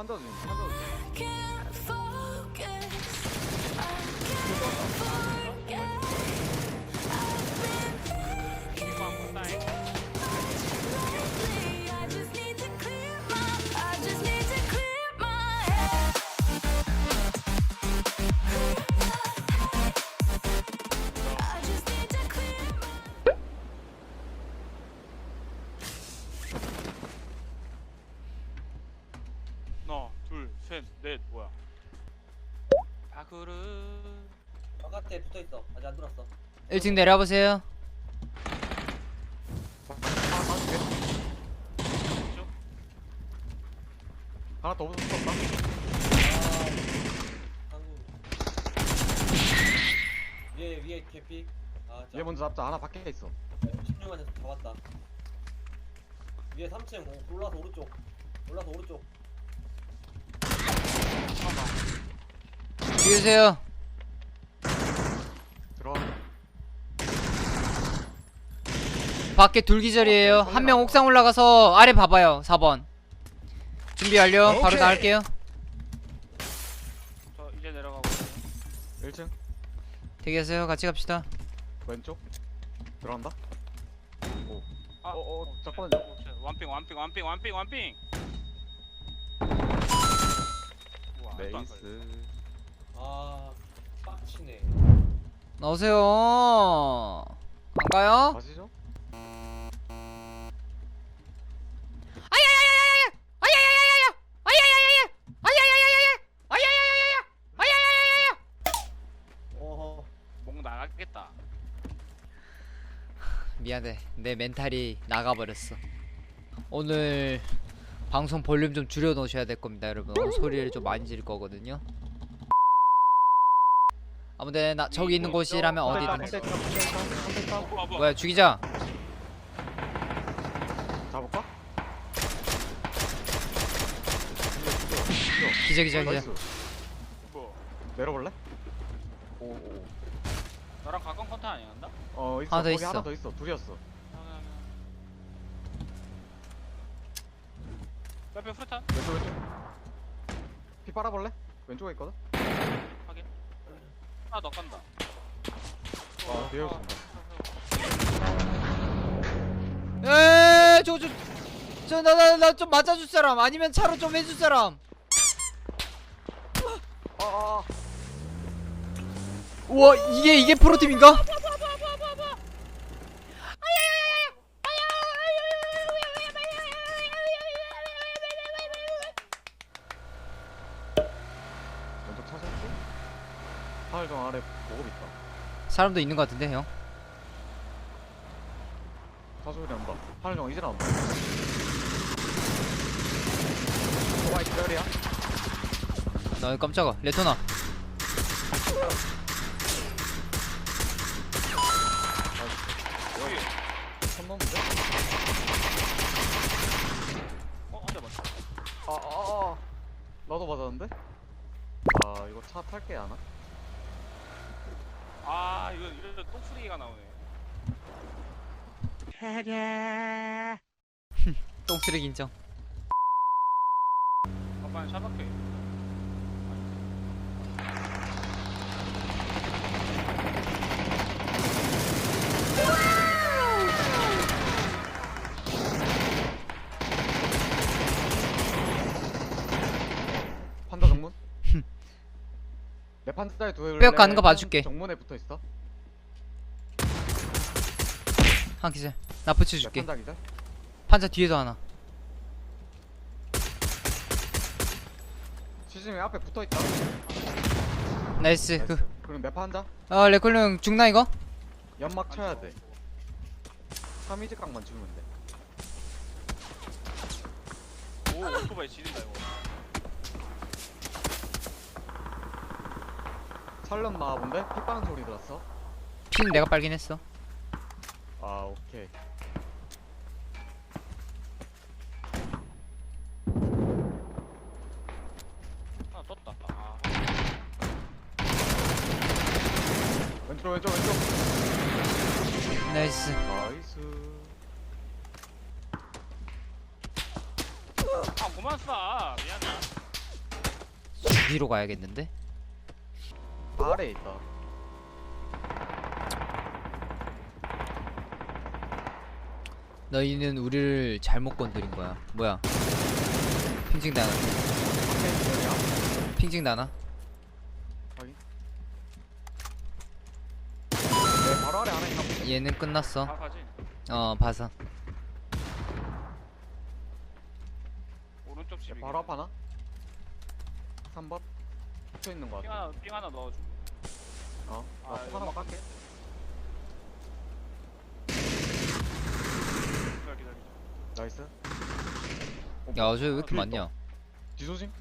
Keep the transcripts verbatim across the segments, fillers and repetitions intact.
판자 중 판자 중. 하나, 둘, 셋, 넷, 뭐야? 바그르. 바깥에 붙어 있어. 아직 안 들어왔어. 일 층 내려보세요. 하나 더 붙었다. 아, 한국. 위에 위에 개피. 아, 얘 먼저 잡자. 하나 밖에 있어. 십육 안에서 잡았다. 위에 삼 층 올라서 오른쪽. 올라서 오른쪽. 비우세요. 들어. 밖에 둘기절이에요. 한 명 옥상 올라가서 아래 봐봐요. 사 번. 준비 완료. 바로 나갈게요. 저 이제 내려가고 있어요. 일 층 대기하세요. 같이 갑시다. 왼쪽 들어간다. 오. 아, 어, 어, 어, 잠깐만요. 어, 쉣. 완핑, 완핑, 완핑, 완핑, 완핑. 우와, 아직도 안 걸려. 네이스. 아, 빡치네. 나오세요. 안 가요? 가시죠. 어, 목 나가겠다. 미안해. 내 멘탈이 나가버렸어. 오늘 방송 볼륨 좀 줄여 놓으셔야 될 겁니다, 여러분. 오늘 소리를 좀 많이 지를 거거든요. 아무튼 나 저기 있는 곳이라면 어디든. 어, 뭐야, 뭐야. 뭐야, 죽이자. 잡을까? 기자 기자 기자. 나이스. 뭐? 내려볼래? 오, 오. 나랑 가까운 컨텐 아니었나? 어, 있어. 하나 더 거기 있어. 하나 더 있어. 둘이었어. 빼빼 프루탄? 왼쪽 왼쪽. 피 빨아볼래? 왼쪽에 있거든. 확인. 하나 더 간다. 어, 뒤에 있습니다. 에이, 저거 좀, 저 나 나 나 좀 맞아줄 사람 아니면 차로 좀 해줄 사람. 아, 아, 우와, 이게 이게 프로팀인가? 왼쪽 차있고 하늘정 아래 보급 있다. 사람도 있는 것 같은데 형. 차소리 난다. 하늘정 이제 나온다. 오마이 기다리야. 나 깜짝아. 레토나. 여기. 선 넘는데? 어, 한 대 맞다. 아, 아, 아. 나도 맞았는데? 아, 이거 차 탈게 안 와? 아, 이거 이거 똥소리가 나오네. 똥쓰레기 인정. 아빠는 샤박해. 판자 정문? 내 판자에 두에 뼈 가는 거 봐줄게. 정문에 붙어 있어. 한 기절. 나 내 붙여줄게. 판자 기자. 판자 뒤에도 하나. 시즈미 앞에 붙어 있다. 나이스. 그, 그럼 내 판자 어 레콜 형 죽나 이거? 연막 쳐야 돼. 삼이즈 각만 주면 돼. 오, 오토바이 지린다 이거. 살렸나 본데? 피 빠는 소리 들었어. 피는 내가 빨긴 했어. 아, 오케이. 하나 떴다. 아, 왼쪽 왼쪽 왼쪽. 나이스. 나이스. 아 그만 쏴. 미안해. 어디로 가야겠는데? 아래에 있다. 너희는 우리를 잘못 건드린 거야. 뭐야? 핑징 나나? 핑징 나나? 확인. 네, 바로 아래 하나 있나 보네. 얘는 끝났어. 아 가지. 어, 봐서. 오른쪽 집이. 바로 앞 하나? 삼 번? 붙어 있는 거 삥 같아. 하나 삥 하나 넣어주고. 어? 아, 나 이거 하나만 깎게. 기다려 기다려. 나이스. 야, 저기 왜 이렇게 아, 많냐? 뒤조심.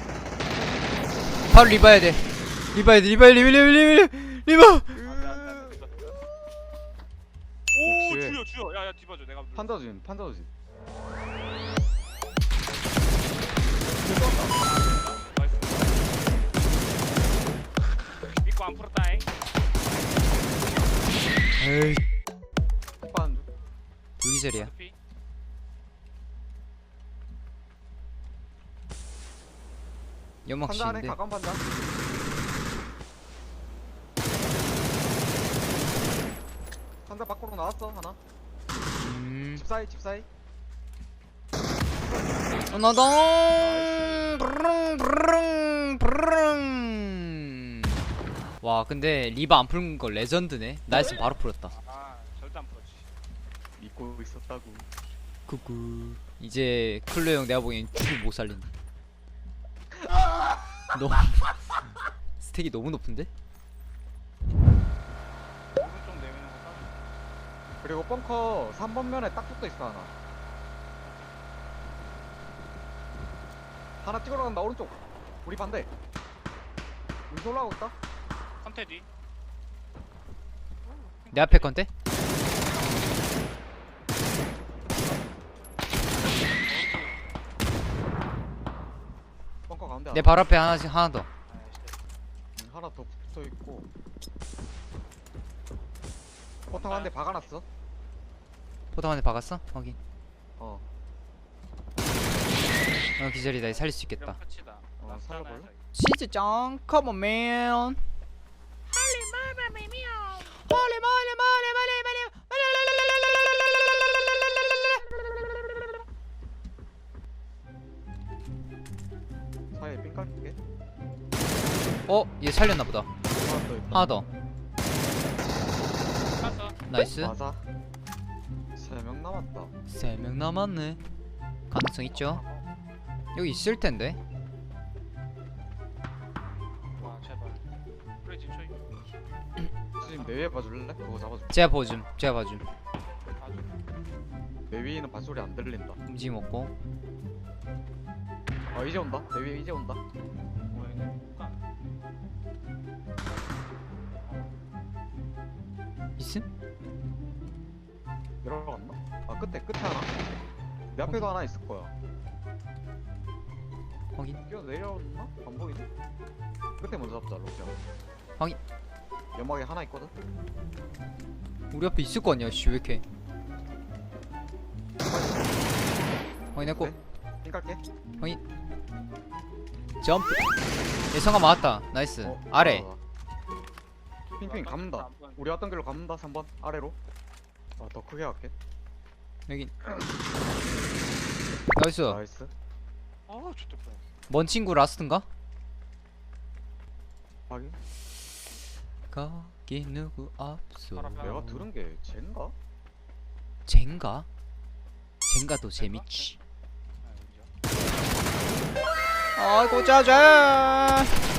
바로 리바야 돼. 리바야 돼. 리바야 리바 리바 리바 리바. 안돼 안돼 안돼. 오 혹시- 주여 주여. 야야 뒤봐줘 내가. 판자주인, 판자주인. 나이스. 믿고 안 풀었다잉. 에이, 판 두 기절이야. 피. 연막 판자 안에 치는데. 가까운 판자. 판자 밖으로 나왔어 하나. 음. 집 사이, 집 사이. 나동. 브릉 브릉 브릉. 와, 근데 리바 안 푸는 거 레전드네. 나였으면 바로 풀었다. 아 절대 안 풀었지. 믿고 있었다고. 구구. 이제 클로 형 내가 보기엔 죽을 못 살린다. 너무 스택이 너무 높은데? 오른쪽 내미는 거 따. 그리고 벙커 삼 번 면에 딱 붙어 있어 하나. 하나 찍으러 간다 오른쪽. 우리 반대. 우리 올라가고 있다. 컨테 뒤. 내 앞에 건데? 벙커 가운데 내 하나. 바로 앞에 하나씩 하나 더. 아이씨. 음, 하나 더 붙어 있고. 포탑 한 대 박아놨어. 포탑한테 박았어? 확인. 어. 어, 기절이다. 살릴 수 있겠다. 이러면 끝이다. 어, 라스트 살려볼래? 하나야, 자기. 치즈 짱, come on man. 빨리 빨리 빨리 빨리 사이에 삥 깔게. 어, 얘 살렸나 보다. 하나 더 있다. 하나 더. 깠어. 나이스. 맞아. 세 명 남았다. 세 명 남았네. 가능성 있죠? 여기 있을 텐데. 와 제발. 프레지 초이. 지금 내 위에 봐줄래? 그거 잡아줘. 제가 봐줌. 제가 봐줌. 봐줘. 내 위에는 발소리 안 들린다. 움직임 없고. 어 이제 온다. 내 위에 이제 온다. 뭐야 이거. 까. 있음? 내려갔나? 아 끝에 끝에 하나. 내 앞에도 하나 있을 거야. 확인. 뛰어 내려왔나? 안 보이네. 끝에 먼저 잡자 로키야. 확인. 연막에 하나 있거든. 우리 앞에 있을 거 아니야. 씨, 왜 이렇게. 확인했고. 네. 삥 깔게. 점프. 예성아 맞았다. 나이스. 어, 아래. 아, 핑핑 감는다. 우리 왔던 길로 감는다. 삼 번 아래로. 아 더 크게 갈게. 여기. 나이스. 나이스. 아 좋겠다. 먼 친구 라스트인가? 확인. 거기 누구 없어. 바로 앞에 내가 들은 게 쟤인가? 젠가? 젠가도 재밌지. 아 인정. 아이고 짜잔.